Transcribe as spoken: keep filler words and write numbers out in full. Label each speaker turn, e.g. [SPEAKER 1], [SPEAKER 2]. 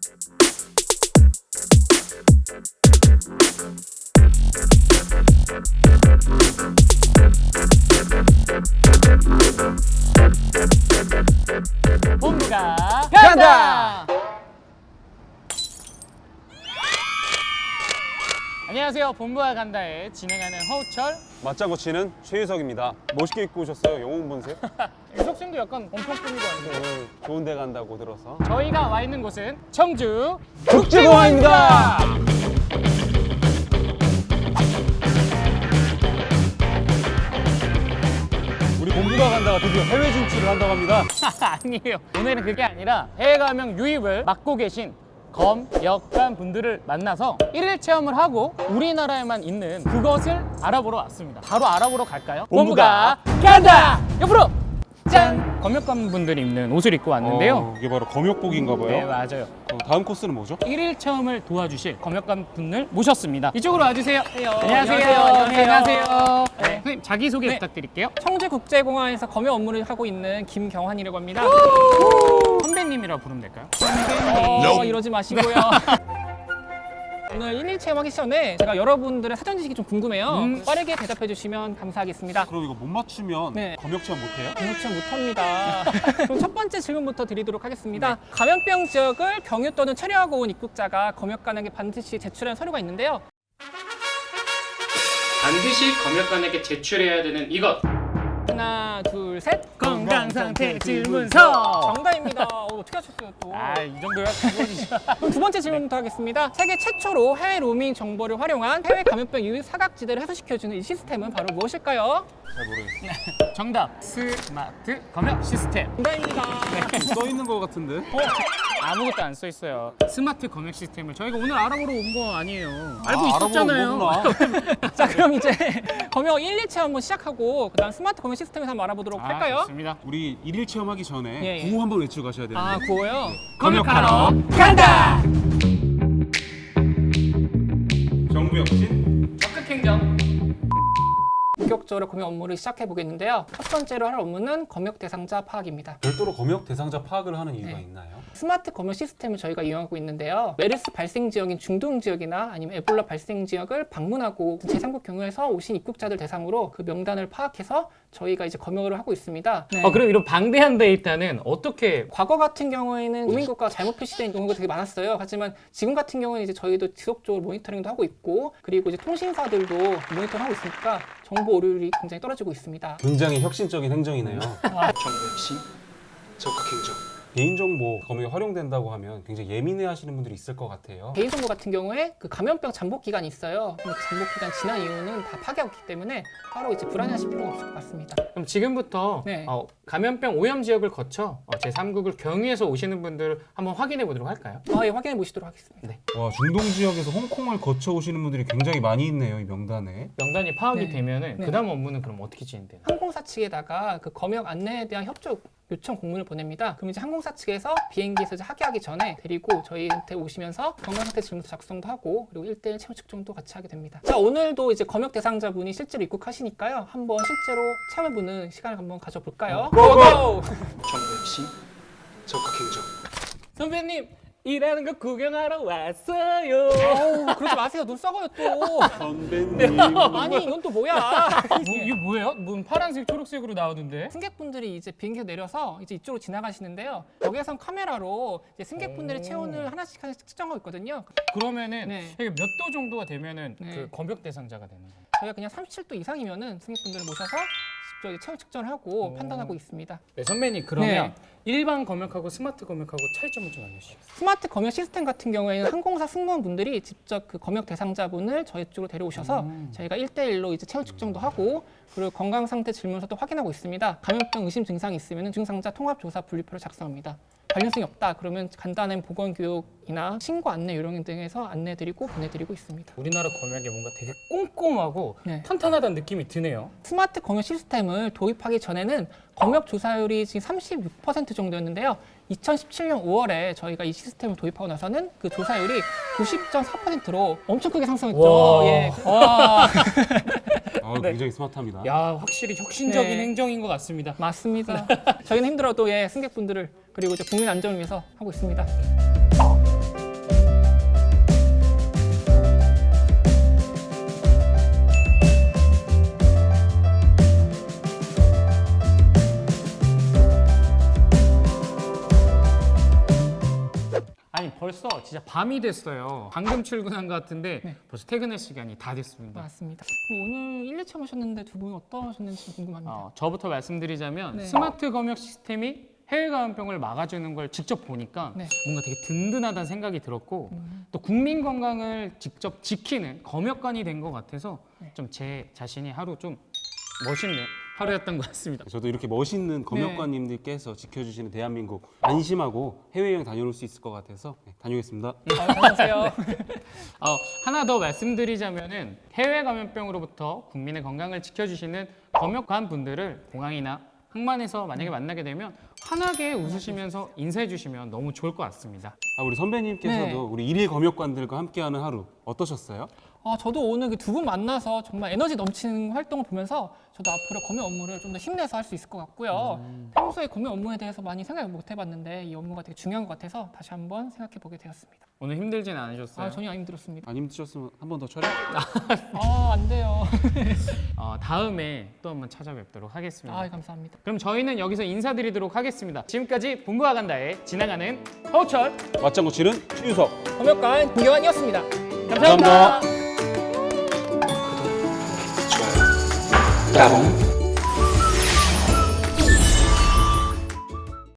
[SPEAKER 1] 본부가 간다! 안녕하세요. 본부가 간다에 진행하는 허우철,
[SPEAKER 2] 맞장구 치는 최유석입니다. 멋있게 입고 오셨어요. 영웅 본색.
[SPEAKER 1] 유석 씨도 약간 엄청 꾸미고 왔는데
[SPEAKER 2] 오늘 좋은 데 간다고 들어서.
[SPEAKER 1] 저희가 와 있는 곳은 청주
[SPEAKER 2] 국제공항입니다. 우리 본부가 간다가 드디어 해외 진출을 한다고 합니다.
[SPEAKER 1] 아니에요. 오늘은 그게 아니라 해외 가명 유입을 맡고 계신 검, 역관 분들을 만나서 일일 체험을 하고 우리나라에만 있는 그것을 알아보러 왔습니다. 바로 알아보러 갈까요?
[SPEAKER 2] 본부가
[SPEAKER 1] 간다! 옆으로! 짠! 검역관 분들이 입는 옷을 입고 왔는데요.
[SPEAKER 2] 어, 이게 바로 검역복인가 봐요.
[SPEAKER 1] 네, 맞아요.
[SPEAKER 2] 어, 다음 코스는 뭐죠?
[SPEAKER 1] 일일 체험을 도와주실 검역관 분을 모셨습니다. 이쪽으로 와주세요.
[SPEAKER 3] 안녕하세요.
[SPEAKER 1] 안녕하세요.
[SPEAKER 3] 안녕하세요.
[SPEAKER 1] 네, 안녕하세요.
[SPEAKER 3] 네.
[SPEAKER 1] 네, 선생님 자기소개
[SPEAKER 3] 네.
[SPEAKER 1] 부탁드릴게요.
[SPEAKER 3] 청주국제공항에서 검역 업무를 하고 있는 김경환이라고 합니다.
[SPEAKER 1] 선배님이라고 부르면 될까요?
[SPEAKER 3] 어, 이러지 마시고요. 오늘 일일 체험하기 전에 제가 여러분들의 사전 지식이 좀 궁금해요.
[SPEAKER 1] 음.
[SPEAKER 3] 빠르게 대답해 주시면 감사하겠습니다.
[SPEAKER 2] 그럼 이거 못 맞추면
[SPEAKER 3] 네.
[SPEAKER 2] 검역 체험 못해요?
[SPEAKER 3] 검역 체험 못합니다. 그럼 첫 번째 질문부터 드리도록 하겠습니다. 감염병 지역을 경유 또는 체류하고 온 입국자가 검역관에게 반드시 제출한 서류가 있는데요.
[SPEAKER 1] 반드시 검역관에게 제출해야 되는 이것.
[SPEAKER 3] 하나, 둘, 셋.
[SPEAKER 1] 건강상태 질문서.
[SPEAKER 3] 정답입니다. 어, 어떻게 하셨어요 또?
[SPEAKER 1] 아, 이 정도야 기본이죠.
[SPEAKER 3] 그럼 두 번째 질문부터 하겠습니다. 세계 최초로 해외 로밍 정보를 활용한 해외 감염병 유입 사각지대를 해소시켜주는 이 시스템은 바로 무엇일까요?
[SPEAKER 2] 잘 모르겠어요.
[SPEAKER 1] 정답. 스마트 검역 시스템.
[SPEAKER 3] 정답입니다.
[SPEAKER 2] 써 있는 것 같은데?
[SPEAKER 1] 어? 아무것도 안 써 있어요. 스마트 검역 시스템을 저희가 오늘 알아보러 온 거 아니에요. 알고
[SPEAKER 2] 아,
[SPEAKER 1] 있었잖아요.
[SPEAKER 2] 알아보러 온 거구나.
[SPEAKER 3] 자, 그럼 이제 검역 일, 이 체험 한번 시작하고 그다음 스마트 검역 시스템에서 한번 알아보도록
[SPEAKER 1] 아,
[SPEAKER 3] 할까요?
[SPEAKER 1] 좋습니다.
[SPEAKER 2] 우리 일일 체험하기 전에
[SPEAKER 3] 예, 예.
[SPEAKER 2] 구호 한번 외치고 가셔야 되는데.
[SPEAKER 3] 아, 구호요?
[SPEAKER 1] 검역하러 간다.
[SPEAKER 2] 정부 혁신.
[SPEAKER 1] 적극 행정.
[SPEAKER 3] 본격적으로 검역 업무를 시작해 보겠는데요. 첫 번째로 할 업무는 검역 대상자 파악입니다.
[SPEAKER 2] 별도로 검역 대상자 파악을 하는 이유가
[SPEAKER 3] 네.
[SPEAKER 2] 있나요?
[SPEAKER 3] 스마트 검역 시스템을 저희가 이용하고 있는데요. 메르스 발생 지역인 중동 지역이나 아니면 에볼라 발생 지역을 방문하고 제삼국 경유에서 오신 입국자들 대상으로 그 명단을 파악해서 저희가 이제 검역을 하고 있습니다. 네.
[SPEAKER 1] 어, 그럼 이런 방대한 데이터는 어떻게
[SPEAKER 3] 과거 같은 경우에는 우민국가가 잘못 표시된 경우가 되게 많았어요. 하지만 지금 같은 경우는 이제 저희도 지속적으로 모니터링도 하고 있고, 그리고 이제 통신사들도 모니터링하고 있으니까 정보 오류율이 굉장히 떨어지고 있습니다.
[SPEAKER 2] 굉장히 혁신적인 행정이네요.
[SPEAKER 4] 정부 혁신, 적극 행정.
[SPEAKER 2] 개인정보 검역에 활용된다고 하면 굉장히 예민해하시는 분들이 있을 것 같아요.
[SPEAKER 3] 개인정보 같은 경우에 그 감염병 잠복 기간이 있어요. 근데 그 잠복 기간 지난 이후는 다 파괴하고 있기 때문에 따로 이제 불안해하실 필요는 없을 것 같습니다.
[SPEAKER 1] 그럼 지금부터
[SPEAKER 3] 네.
[SPEAKER 1] 어, 감염병 오염 지역을 거쳐 어, 제삼국을 경유해서 오시는 분들 한번 확인해 보도록 할까요?
[SPEAKER 3] 아, 예, 확인해 보시도록 하겠습니다.
[SPEAKER 1] 네.
[SPEAKER 2] 와, 중동 지역에서 홍콩을 거쳐 오시는 분들이 굉장히 많이 있네요, 이 명단에.
[SPEAKER 1] 명단이 파악이
[SPEAKER 3] 네.
[SPEAKER 1] 되면은
[SPEAKER 3] 네.
[SPEAKER 1] 그다음 업무는 그럼 어떻게 진행되나요?
[SPEAKER 3] 항공사 측에다가 그 검역 안내에 대한 협조 요청 공문을 보냅니다. 그럼 이제 항공사 측에서 비행기에서 이제 하교하기 전에 데리고 저희한테 오시면서 건강상태 질문서 작성도 하고, 그리고 일 대일 체온 측정도 같이 하게 됩니다. 자, 오늘도 이제 검역 대상자분이 실제로 입국하시니까요. 한번 실제로 체험해보는 시간을 한번 가져볼까요? 고고!
[SPEAKER 4] 정부 혁신, 적극 행정.
[SPEAKER 1] 선배님 일하는 거 구경하러 왔어요.
[SPEAKER 3] 어우, 그러지 마세요. 눈 썩어요 또.
[SPEAKER 2] 선배님.
[SPEAKER 3] 아니, 이건 또 뭐야?
[SPEAKER 1] 뭐, 이게 뭐예요? 문 파란색 초록색으로 나오는데?
[SPEAKER 3] 승객분들이 이제 비행기에 내려서 이제 이쪽으로 지나가시는데요. 여기에선 카메라로 이제 승객분들의
[SPEAKER 1] 오.
[SPEAKER 3] 체온을 하나씩 하나씩 측정하고 있거든요.
[SPEAKER 1] 그러면은
[SPEAKER 3] 네.
[SPEAKER 1] 몇 도 정도가 되면은
[SPEAKER 3] 네.
[SPEAKER 1] 그 검역 대상자가 되는 거예요?
[SPEAKER 3] 저희가 그냥 삼십칠 도 이상이면은 승객분들을 모셔서 직접 이제 체온 측정을 하고
[SPEAKER 1] 오.
[SPEAKER 3] 판단하고 있습니다.
[SPEAKER 1] 네, 선배님 그러면
[SPEAKER 3] 네.
[SPEAKER 1] 일반 검역하고 스마트 검역하고 차이점을 좀 알려주시겠어요?
[SPEAKER 3] 스마트 검역 시스템 같은 경우에는 항공사 승무원분들이 직접 그 검역 대상자분을 저희 쪽으로 데려오셔서
[SPEAKER 1] 음.
[SPEAKER 3] 저희가 일 대일로 이제 체온 측정도 하고, 그리고 건강 상태 질문서도 확인하고 있습니다. 감염병 의심 증상이 있으면 증상자 통합조사 분류표를 작성합니다. 관련성이 없다 그러면 간단한 보건교육이나 신고 안내 요령 등에서 안내드리고 보내드리고 있습니다.
[SPEAKER 1] 우리나라 검역이 뭔가 되게 꼼꼼하고
[SPEAKER 3] 네.
[SPEAKER 1] 탄탄하다는 느낌이 드네요.
[SPEAKER 3] 스마트 검역 시스템을 도입하기 전에는 검역 조사율이 지금 삼십육 퍼센트 정도였는데요. 이천십칠 년 오월에 저희가 이 시스템을 도입하고 나서는 그 조사율이 구십 점 사 퍼센트로 엄청 크게 상승했죠.
[SPEAKER 1] 와.
[SPEAKER 3] 예. 와.
[SPEAKER 2] 아, 굉장히 스마트합니다.
[SPEAKER 1] 야, 확실히 혁신적인
[SPEAKER 3] 네.
[SPEAKER 1] 행정인 것 같습니다.
[SPEAKER 3] 맞습니다. 저희는 힘들어도 예, 승객분들을 그리고 이제 국민 안전을 위해서 하고 있습니다.
[SPEAKER 1] 벌써 진짜 밤이 됐어요. 방금 출근한 것 같은데
[SPEAKER 3] 네.
[SPEAKER 1] 벌써 퇴근할 시간이 다 됐습니다.
[SPEAKER 3] 맞습니다. 그럼 오늘 일 일 체험 하셨는데 두 분 어떠셨는지 궁금합니다.
[SPEAKER 1] 어, 저부터 말씀드리자면
[SPEAKER 3] 네.
[SPEAKER 1] 스마트 검역 시스템이 해외 감염병을 막아주는 걸 직접 보니까
[SPEAKER 3] 네.
[SPEAKER 1] 뭔가 되게 든든하다는 생각이 들었고
[SPEAKER 3] 음.
[SPEAKER 1] 또 국민 건강을 직접 지키는 검역관이 된 것 같아서
[SPEAKER 3] 네.
[SPEAKER 1] 좀 제 자신이 하루 좀 멋있는 하루였던 것 같습니다.
[SPEAKER 2] 저도 이렇게 멋있는 검역관님들께서 지켜주시는 대한민국 안심하고 해외여행 다녀올 수 있을 것 같아서 네, 다녀오겠습니다.
[SPEAKER 3] 아, 안녕하세요.
[SPEAKER 1] 어, 하나 더 말씀드리자면은 해외 감염병으로부터 국민의 건강을 지켜주시는 검역관 분들을 공항이나 항만에서 만약에 만나게 되면 환하게 웃으시면서 인사해 주시면 너무 좋을 것 같습니다.
[SPEAKER 2] 아, 우리 선배님께서도
[SPEAKER 3] 네.
[SPEAKER 2] 우리 일일 검역관들과 함께하는 하루 어떠셨어요?
[SPEAKER 3] 아, 저도 오늘 그 두 분 만나서 정말 에너지 넘치는 활동을 보면서 저도 앞으로 검역 업무를 좀 더 힘내서 할 수 있을 것 같고요.
[SPEAKER 1] 음.
[SPEAKER 3] 평소에 검역 업무에 대해서 많이 생각을 못 해봤는데 이 업무가 되게 중요한 것 같아서 다시 한번 생각해 보게 되었습니다.
[SPEAKER 1] 오늘 힘들진 않으셨어요?
[SPEAKER 3] 아, 전혀 안 힘들었습니다.
[SPEAKER 2] 안 힘드셨으면 한 번 더 촬영?
[SPEAKER 3] 아, 안 돼요.
[SPEAKER 1] 어, 다음에 또 한번 찾아뵙도록 하겠습니다.
[SPEAKER 3] 아, 감사합니다.
[SPEAKER 1] 그럼 저희는 여기서 인사드리도록 하겠습니다. 지금까지 본부와 간다의 지나가는 허우철
[SPEAKER 2] 맞장구치는 최유석.
[SPEAKER 3] 검역관 김교환이었습니다.
[SPEAKER 1] 감사합니다.
[SPEAKER 2] 감사합니다.
[SPEAKER 4] 좋아요. 따봉.